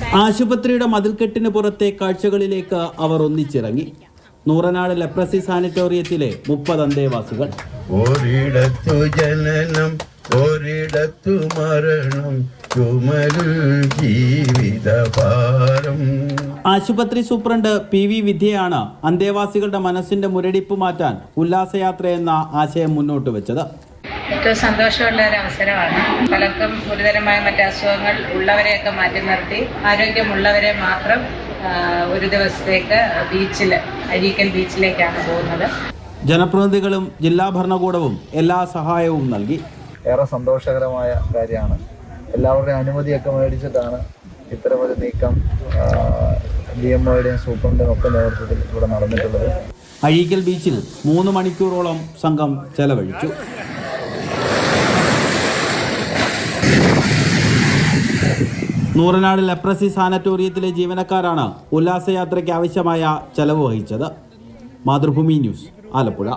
ആശുപത്രിയുടെ മതിൽക്കെട്ടിന് പുറത്തെ കാഴ്ചകളിലേക്ക് അവർ ഒന്നിച്ചിറങ്ങി. നൂറനാട് ലെപ്രസി സാനിറ്റോറിയത്തിലെ 30 അന്തേവാസികൾ. ഒരിടത്തു ജനനം, ഒരിടത്തു മരണം, ജീവിതഭാരം. ആശുപത്രി സൂപ്രണ്ട് PV വിദ്യയാണ് അന്തേവാസികളുടെ മനസ്സിന്റെ മുരടിപ്പ് മാറ്റാൻ ഉല്ലാസയാത്ര എന്ന ആശയം മുന്നോട്ട് വെച്ചത്. ഏറ്റവും സന്തോഷമുള്ള ഒരു അവസരമാണ്. പലർക്കും ഗുരുതരമായ മറ്റ് അസുഖങ്ങൾ ഉള്ളവരെയൊക്കെ മാറ്റി നിർത്തി ആരോഗ്യമുള്ളവരെ മാത്രം ഒരു ദിവസത്തേക്ക് അഴീക്കൽ ബീച്ചിലേക്കാണ് പോകുന്നത്. ജനപ്രതിനിധികളും ജില്ലാ ഭരണകൂടവും എല്ലാ സഹായവും നൽകി. ഏറെ സന്തോഷകരമായ കാര്യമാണ്. എല്ലാവരുടെയും അനുമതിയൊക്കെ മേടിച്ചിട്ടാണ് ഇത്തരമൊരു നീക്കം DMOയുടെയും സൂപ്രണ്ടിൻ്റെയും ഒക്കെ നേതൃത്വത്തിൽ ഇവിടെ നടന്നിട്ടുള്ളത്. അഴീക്കൽ ബീച്ചിൽ 3 മണിക്കൂറോളം സംഘം ചെലവഴിച്ചു. നൂറനാട് ലെപ്രസി സാനിറ്റോറിയത്തിലെ ജീവനക്കാരാണ് ഉല്ലാസയാത്രയ്ക്ക് ആവശ്യമായ ചെലവ് വഹിച്ചത്. മാതൃഭൂമി ന്യൂസ്, ആലപ്പുഴ.